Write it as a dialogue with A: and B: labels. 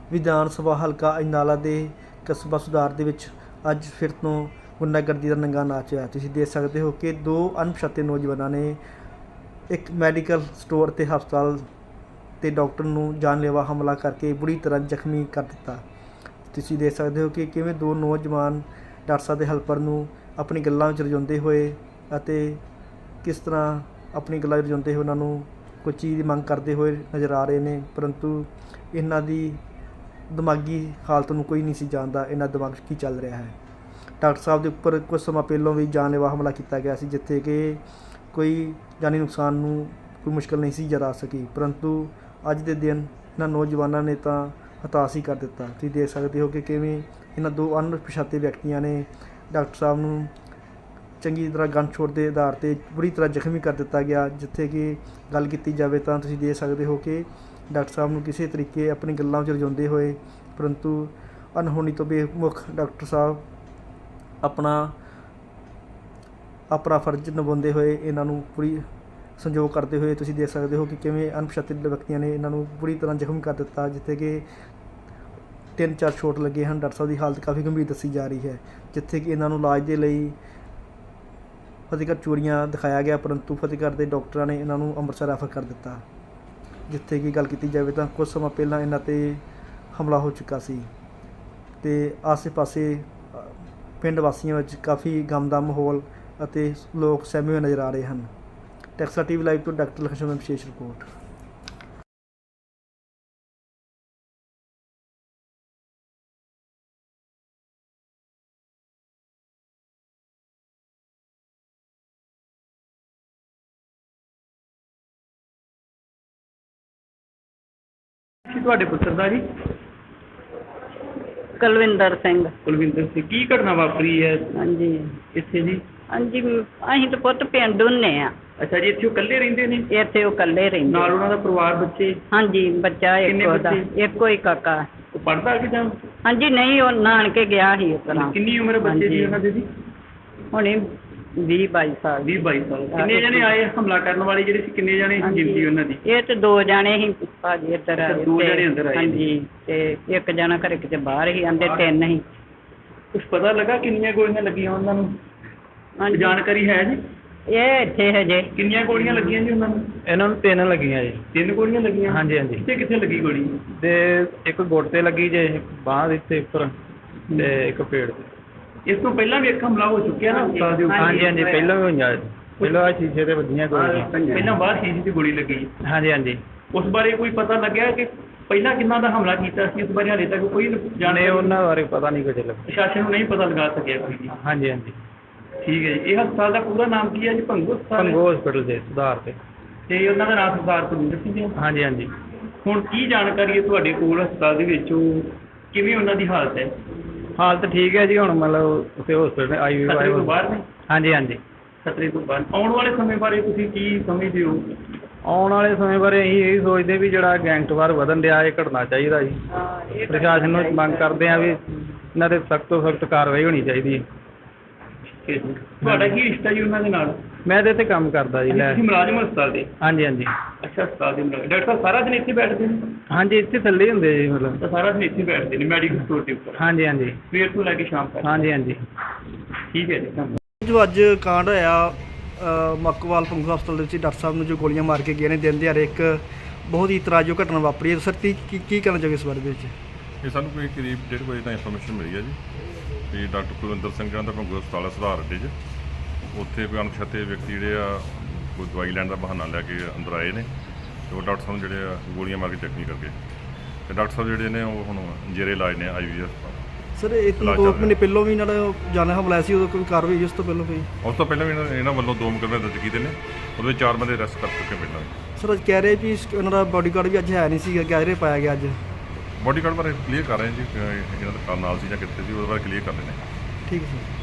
A: ਵਿਧਾਨ ਸਭਾ ਹਲਕਾ ਅਜਨਾਲਾ ਦੇ ਕਸਬਾ ਸੁਧਾਰ ਦੇ ਵਿੱਚ ਅੱਜ ਫਿਰ ਤੋਂ ਗੁੰਡਾਗਰਦੀ ਦਾ ਨੰਗਾ ਨਾਚ ਹੋਇਆ। ਤੁਸੀਂ ਦੇਖ ਸਕਦੇ ਹੋ ਕਿ ਦੋ ਅਣਪਛਾਤੇ ਨੌਜਵਾਨਾਂ ਨੇ ਇੱਕ ਮੈਡੀਕਲ ਸਟੋਰ ਅਤੇ ਹਸਪਤਾਲ ਤੇ ਡਾਕਟਰ ਨੂੰ ਜਾਨਲੇਵਾ ਹਮਲਾ ਕਰਕੇ ਬੁਰੀ ਤਰ੍ਹਾਂ ਜ਼ਖਮੀ ਕਰ ਦਿੱਤਾ। ਤੁਸੀਂ ਦੇਖ ਸਕਦੇ ਹੋ ਕਿ ਕਿਵੇਂ ਦੋ ਨੌਜਵਾਨ ਡਾਕਟਰ ਸਾਹਿਬ ਦੇ ਹੈਲਪਰ ਨੂੰ ਆਪਣੀ ਗੱਲਾਂ ਵਿੱਚ ਰਜਾਉਂਦੇ ਹੋਏ ਅਤੇ ਕਿਸ ਤਰ੍ਹਾਂ ਆਪਣੀ ਗੱਲਾਂ ਵਿੱਚ ਰਜਾਉਂਦੇ ਹੋਏ ਉਹਨਾਂ ਨੂੰ ਕੋਈ ਚੀਜ਼ ਦੀ ਮੰਗ ਕਰਦੇ ਹੋਏ ਨਜ਼ਰ ਆ ਰਹੇ ਨੇ, ਪਰੰਤੂ ਇਹਨਾਂ ਦੀ ਦਿਮਾਗੀ ਹਾਲਤ ਨੂੰ ਕੋਈ ਨਹੀਂ ਸੀ ਜਾਣਦਾ ਇਹਨਾਂ ਦਿਮਾਗ 'ਚ ਕੀ ਚੱਲ ਰਿਹਾ ਹੈ। ਡਾਕਟਰ ਸਾਹਿਬ ਦੇ ਉੱਪਰ ਕੁਝ ਸਮਾਂ ਪਹਿਲਾਂ ਵੀ ਜਾਨਲੇਵਾ ਹਮਲਾ ਕੀਤਾ ਗਿਆ ਸੀ, ਜਿੱਥੇ ਕਿ ਕੋਈ ਜਾਨੀ ਨੁਕਸਾਨ ਨੂੰ ਕੋਈ ਮੁਸ਼ਕਿਲ ਨਹੀਂ ਸੀ ਜਰਾ ਸਕੀ, ਪਰੰਤੂ ਅੱਜ ਦੇ ਦਿਨ ਇਹਨਾਂ ਨੌਜਵਾਨਾਂ ਨੇ ਤਾਂ ਹਤਾਸ਼ ਹੀ ਕਰ ਦਿੱਤਾ। ਤੁਸੀਂ ਦੇਖ ਸਕਦੇ ਹੋ ਕਿ ਕਿਵੇਂ ਇਹਨਾਂ ਦੋ ਅਣਪਛਾਤੇ ਵਿਅਕਤੀਆਂ ਨੇ ਡਾਕਟਰ ਸਾਹਿਬ ਨੂੰ ਚੰਗੀ ਤਰ੍ਹਾਂ ਗਨ ਛੋੜ ਦੇ ਆਧਾਰ 'ਤੇ ਬੁਰੀ ਤਰ੍ਹਾਂ ਜ਼ਖਮੀ ਕਰ ਦਿੱਤਾ ਗਿਆ। ਜਿੱਥੇ ਕਿ ਗੱਲ ਕੀਤੀ ਜਾਵੇ ਤਾਂ ਤੁਸੀਂ ਦੇਖ ਸਕਦੇ ਹੋ ਕਿ ਡਾਕਟਰ ਸਾਹਿਬ ਨੂੰ ਕਿਸੇ ਤਰੀਕੇ ਆਪਣੀ ਗੱਲਾਂ ਵਿੱਚ ਰਜਾਉਂਦੇ ਹੋਏ, ਪਰੰਤੂ ਅਣਹੋਣੀ ਤੋਂ ਬੇਮੁੱਖ ਡਾਕਟਰ ਸਾਹਿਬ ਆਪਣਾ ਫਰਜ਼ ਨਿਭਾਉਂਦੇ ਹੋਏ ਇਹਨਾਂ ਨੂੰ ਪੂਰੀ ਸੰਯੋਗ ਕਰਦੇ ਹੋਏ ਤੁਸੀਂ ਦੇਖ ਸਕਦੇ ਹੋ ਕਿ ਕਿਵੇਂ ਅਣਪਛਾਤੇ ਵਿਅਕਤੀਆਂ ਨੇ ਇਹਨਾਂ ਨੂੰ ਬੁਰੀ ਤਰ੍ਹਾਂ ਜ਼ਖਮੀ ਕਰ ਦਿੱਤਾ, ਜਿੱਥੇ ਕਿ 3-4 ਚੋਟ ਲੱਗੇ ਹਨ। ਡਾਕਟਰ ਸਾਹਿਬ ਦੀ ਹਾਲਤ ਕਾਫੀ ਗੰਭੀਰ ਦੱਸੀ ਜਾ ਰਹੀ ਹੈ, ਜਿੱਥੇ ਕਿ ਇਹਨਾਂ ਨੂੰ ਇਲਾਜ ਦੇ ਲਈ ਫਤਿਹਗੜ੍ਹ ਚੂੜੀਆਂ ਦਿਖਾਇਆ ਗਿਆ, ਪਰੰਤੂ ਫਤਿਹਗੜ੍ਹ ਦੇ ਡਾਕਟਰਾਂ ਨੇ ਇਹਨਾਂ ਨੂੰ ਅੰਮ੍ਰਿਤਸਰ ਰੈਫਰ ਕਰ ਦਿੱਤਾ। ਜਿੱਥੇ ਕਿ ਗੱਲ ਕੀਤੀ ਜਾਵੇ ਤਾਂ ਕੁਝ ਸਮਾਂ ਪਹਿਲਾਂ ਇਹਨਾਂ 'ਤੇ ਹਮਲਾ ਹੋ ਚੁੱਕਾ ਸੀ ਅਤੇ ਆਸੇ-ਪਾਸੇ ਪਿੰਡ ਵਾਸੀਆਂ ਵਿੱਚ ਕਾਫੀ ਗਮ ਦਾ ਮਾਹੌਲ ਅਤੇ ਲੋਕ ਸਹਿਮੇ ਹੋਏ ਨਜ਼ਰ ਆ ਰਹੇ ਹਨ। ਟੈਕਸਾ TV ਲਾਈਵ ਤੋਂ ਡਾਕਟਰ ਲਖਸ਼ਮਣ ਵਿਸ਼ੇਸ਼ ਰਿਪੋਰਟ।
B: ਤੁਹਾਡੇ ਪੁੱਤਰ ਦਾ ਜੀ?
C: ਕੁਲਵਿੰਦਰ ਸਿੰਘ।
B: ਕੁਲਵਿੰਦਰ ਸਿੰਘ। ਕੀ ਘਟਨਾ ਵਾਪਰੀ ਹੈ
C: ਹਾਂਜੀ
B: ਇੱਥੇ ਜੀ?
C: ਹਾਂਜੀ ਅਸੀਂ ਤਾਂ ਪੁੱਤ ਪਿੰਡ ਹੁੰਦੇ ਆ।
B: ਅੱਛਾ ਜੀ, ਇੱਥੇ ਉਹ ਇਕੱਲੇ ਰਹਿੰਦੇ ਨੇ?
C: ਇੱਥੇ ਉਹ ਇਕੱਲੇ ਰਹਿੰਦੇ।
B: ਨਾਲ ਉਹਨਾਂ ਦਾ ਪਰਿਵਾਰ, ਬੱਚੇ?
C: ਹਾਂਜੀ, ਬੱਚਾ
B: ਕਿੰਨੇ
C: ਇੱਕ ਉਹਦਾ,
B: ਬੱਚੇ?
C: ਇੱਕੋ ਹੀ ਕਾਕਾ।
B: ਉਹ ਪੜ੍ਹਦਾ ਕਿ ਜਾਂ?
C: ਹਾਂਜੀ ਨਹੀਂ, ਉਹ ਨਾਨਕੇ ਗਿਆ ਸੀ ਉਸ ਤਰ੍ਹਾਂ।
B: ਕਿੰਨੀ ਉਮਰ ਹੈ ਬੱਚੇ ਦੀ ਉਹਨਾਂ ਦੇ ਜੀ?
C: ਹੁਣੇ 20-22 ਸਾਲ।
B: 20-22 ਸਾਲ। ਕਿੰਨੇ ਜਣੇ ਆਏ ਹਮਲਾ ਕਰਨ ਵਾਲੇ ਜਿਹੜੇ ਸੀ? ਕਿੰਨੇ ਜਣੇ ਗਿਣਤੀ ਉਹਨਾਂ ਦੀ?
C: ਇਹ ਤੇ 2 ਜਣੇ ਸੀ ਭਾਜੀ ਇੱਧਰ ਆਏ।
B: 2 ਜਣੇ ਅੰਦਰ ਆਏ?
C: ਹਾਂਜੀ, ਤੇ ਇੱਕ ਜਣਾ ਘਰੇ ਕਿਤੇ ਬਾਹਰ ਸੀ, ਆਂਦੇ 3 ਸੀ।
B: ਕੁਛ ਪਤਾ ਲੱਗਾ ਕਿੰਨੀਆਂ ਗੋਲੀਆਂ ਲੱਗੀਆਂ ਉਹਨਾਂ ਨੂੰ?
C: ਹਾਂਜੀ,
B: ਜਾਣਕਾਰੀ ਹੈ ਜੀ?
C: ਇਹ ਇੱਥੇ ਹਜੇ।
B: ਕਿੰਨੀਆਂ ਗੋਲੀਆਂ ਲੱਗੀਆਂ ਜੀ ਉਹਨਾਂ ਨੂੰ?
D: ਇਹਨਾਂ ਨੂੰ 3 ਲੱਗੀਆਂ ਜੀ।
B: 3 ਗੋਲੀਆਂ ਲੱਗੀਆਂ?
D: ਹਾਂਜੀ ਹਾਂਜੀ।
B: ਕਿੱਥੇ ਲੱਗੀ ਗੋਲੀ?
D: ਤੇ ਇੱਕ ਗੁੱਟ ਤੇ ਲੱਗੀ ਜੇ, ਬਾਂਹ ਦੇ ਇੱਥੇ ਉੱਪਰ, ਤੇ ਇੱਕ ਪੇੜ ਤੇ।
B: ਇਸ ਤੋਂ ਪਹਿਲਾਂ ਵੀ ਇੱਕ ਹਮਲਾ ਹੋ ਚੁੱਕਿਆ ਨਾ ਹਸਪਤਾਲ ਦੇ ਉੱਪਰ?
D: ਹਾਂਜੀ ਹਾਂਜੀ, ਪਹਿਲਾਂ ਵੀ ਹੋਈਆਂ। ਪਹਿਲਾਂ ਆਹ ਸ਼ੀਸ਼ੇ ਤੇ ਵੱਜੀਆਂ ਗੋਲੀਆਂ।
B: ਪਹਿਲਾਂ ਬਾਹਰ ਸ਼ੀਸ਼ੇ 'ਤੇ ਗੋਲੀ ਲੱਗੀ।
D: ਹਾਂਜੀ ਹਾਂਜੀ।
B: ਉਸ ਬਾਰੇ ਕੋਈ ਪਤਾ ਲੱਗਿਆ ਕਿ ਪਹਿਲਾਂ ਕਿੰਨਾਂ ਦਾ ਹਮਲਾ ਕੀਤਾ ਸੀ? ਇਸ ਬਾਰੇ ਹਾਲੇ ਤੱਕ ਕੋਈ
D: ਜਾਣੇ ਉਹਨਾਂ ਬਾਰੇ ਪਤਾ ਨਹੀਂ ਕੁਝ ਲੱਗਾ।
B: ਪ੍ਰਸ਼ਾਸਨ ਨੂੰ ਨਹੀਂ ਪਤਾ ਲਗਾ ਸਕਿਆ ਕੋਈ ਵੀ?
D: ਹਾਂਜੀ ਹਾਂਜੀ।
B: ਠੀਕ ਹੈ ਜੀ। ਇਹ ਹਸਪਤਾਲ ਦਾ ਪੂਰਾ ਨਾਮ ਕੀ ਹੈ ਜੀ? ਭੰਗੂ ਹਸਪਤਾਲ?
D: ਭੰਗੂ ਹਸਪੀਟਲ ਦੇ ਸੁਧਾਰ ਤੇ।
B: ਤੇ ਉਹਨਾਂ ਦਾ ਨਾਮ ਸਰਦਾਰ ਕੁਲਵਿੰਦਰ ਸਿੰਘ ਜੀ?
D: ਹਾਂਜੀ ਹਾਂਜੀ।
B: ਹੁਣ ਕੀ ਜਾਣਕਾਰੀ ਹੈ ਤੁਹਾਡੇ ਕੋਲ ਹਸਪਤਾਲ ਦੇ ਵਿੱਚ? ਉਹ ਕਿਵੇਂ ਉਹਨਾਂ ਦੀ ਹਾਲਤ ਹੈ?
D: ਹਾਲਤ ਠੀਕ ਹੈ ਜੀ ਹੁਣ, ਮਤਲਬ ਉੱਥੇ ਹਸਪੀਟਲ
B: ਖਤਰੇ ਤੋਂ ਬਾਹਰ ਨੇ?
D: ਹਾਂਜੀ ਹਾਂਜੀ।
B: ਖਤਰੇ ਤੋਂ ਬਾਹਰ। ਆਉਣ ਵਾਲੇ ਸਮੇਂ ਬਾਰੇ ਤੁਸੀਂ ਕੀ ਸਮਝਦੇ ਹੋ?
D: ਆਉਣ ਵਾਲੇ ਸਮੇਂ ਬਾਰੇ ਅਸੀਂ ਇਹ ਸੋਚਦੇ ਵੀ ਜਿਹੜਾ ਗੈਂਗਸਟਰ ਵਧਣ ਡਿਆ, ਇਹ ਘਟਣਾ ਚਾਹੀਦਾ ਜੀ। ਪ੍ਰਸ਼ਾਸਨ ਨੂੰ ਮੰਗ ਕਰਦੇ ਆ ਵੀ ਇਹਨਾਂ 'ਤੇ ਸਖਤ ਤੋਂ ਸਖਤ ਕਾਰਵਾਈ ਹੋਣੀ ਚਾਹੀਦੀ ਹੈ।
B: ਤੁਹਾਡਾ ਕੀ ਰਿਸ਼ਤਾ ਜੀ ਉਹਨਾਂ ਦੇ ਨਾਲ?
D: ਮੈਂ ਤਾਂ ਇੱਥੇ ਕੰਮ ਕਰਦਾ ਜੀ।
B: ਤੁਸੀਂ ਮੁਲਾਜ਼ਮ ਹਸਪਤਾਲ ਦੇ?
D: ਹਾਂਜੀ ਹਾਂਜੀ।
B: ਅੱਛਾ, ਹਸਪਤਾਲ ਦੇ ਮੁਲਾਜ਼ਮ। ਡਾਕਟਰ ਸਾਹਿਬ ਸਾਰਾ ਦਿਨ ਇੱਥੇ ਬੈਠਦੇ ਨੇ?
D: ਹਾਂਜੀ, ਇੱਥੇ ਥੱਲੇ ਹੀ ਹੁੰਦੇ ਜੀ ਮਤਲਬ।
B: ਤਾਂ ਸਾਰਾ ਦਿਨ ਇੱਥੇ ਬੈਠਦੇ ਨੇ ਮੈਡੀਕਲ ਸਟੋਰ ਦੇ ਉੱਪਰ?
D: ਹਾਂਜੀ ਹਾਂਜੀ।
B: ਸਵੇਰ ਤੋਂ ਲੈ ਕੇ ਸ਼ਾਮ ਤੱਕ?
D: ਹਾਂਜੀ ਹਾਂਜੀ।
B: ਠੀਕ ਹੈ ਜੀ, ਧੰਨਵਾਦ।
A: ਜੋ ਅੱਜ ਕਾਂਡ ਹੋਇਆ ਮੱਕਵਾਲ ਭੰਗੂ ਹਸਪਤਾਲ ਦੇ ਵਿੱਚ ਡਾਕਟਰ ਸਾਹਿਬ ਨੂੰ ਜੋ ਗੋਲੀਆਂ ਮਾਰ ਕੇ ਗਏ ਨੇ, ਦਿਨ ਦਿਹਾੜੇ ਇੱਕ ਬਹੁਤ ਹੀ ਇਤਰਾਜ਼ਯੋਗ ਘਟਨਾ ਵਾਪਰੀ ਹੈ। ਸਰ ਕੀ ਕਹਿਣਾ ਚਾਹੋਗੇ ਇਸ ਬਾਰੇ ਦੇ ਵਿੱਚ?
E: ਇਹ ਸਾਨੂੰ ਕੋਈ ਕਰੀਬ 1:30 ਵਜੇ ਤਾਂ ਇਨਫੋਰਮੇਸ਼ਨ ਮਿਲੀ ਹੈ ਜੀ ਵੀ ਡਾਕਟਰ ਕੁਲਵਿੰਦਰ ਸਿੰਘ ਦਾ ਭੰਗੂ ਹਸਪਤਾਲ ਸੁਧਾਰ ਅੱਡੇ 'ਚ ਉੱਥੇ ਕੋਈ ਅਣਪਛਾਤੇ ਵਿਅਕਤੀ ਜਿਹੜੇ ਆ ਕੋਈ ਦਵਾਈ ਲੈਣ ਦਾ ਬਹਾਨਾ ਲੈ ਕੇ ਅੰਦਰ ਆਏ ਨੇ ਅਤੇ ਉਹ ਡਾਕਟਰ ਸਾਹਿਬ ਨੂੰ ਜਿਹੜੇ ਆ ਗੋਲੀਆਂ ਮਾਰ ਕੇ ਜ਼ਖਮੀ ਕਰ ਗਏ। ਅਤੇ ਡਾਕਟਰ ਸਾਹਿਬ ਜਿਹੜੇ ਨੇ ਉਹ ਹੁਣ ਜੇਰੇ ਇਲਾਜ ਨੇ IV ਹਸਪਤਾਲ।
A: ਸਰ ਇਹ 2 ਮਹੀਨੇ ਪਹਿਲਾਂ ਵੀ ਇਹਨਾਂ ਦਾ ਜਾਨਲੇਵਾ ਹਮਲਾ ਆਇਆ ਸੀ, ਉਦੋਂ ਕੋਈ ਕਾਰਵਾਈ ਹੋਈ ਉਸ ਤੋਂ ਪਹਿਲਾਂ ਕੋਈ?
E: ਉਸ ਤੋਂ ਪਹਿਲਾਂ ਵੀ ਇਹਨਾਂ ਵੱਲੋਂ 2 ਮੁਕੱਦਮੇ ਦਰਜ ਕੀਤੇ ਨੇ, ਉਹਦੇ ਵਿੱਚ 4 ਬੰਦੇ ਅਰੈਸਟ ਕਰ ਚੁੱਕੇ ਪਹਿਲਾਂ।
A: ਸਰ ਅੱਜ ਕਹਿ ਰਹੇ ਵੀ ਉਹਨਾਂ ਦਾ ਬਾਡੀਗਾਰਡ ਵੀ ਅੱਜ ਹੈ ਨਹੀਂ ਸੀ, ਗੈਰੇ ਪਾਇਆ ਗਿਆ ਅੱਜ।
E: ਬਾਡੀਗਾਰਡ ਬਾਰੇ ਕਲੀਅਰ ਕਰ ਰਹੇ ਜੀ, ਇਹਨਾਂ ਦਾ ਨਾਲ ਸੀ ਜਾਂ ਕਿੱਥੇ ਸੀ, ਉਹਦੇ ਬਾਰੇ ਕਲੀਅਰ ਕਰ ਰਹੇ ਨੇ।
A: ਠੀਕ ਹੈ ਸਰ।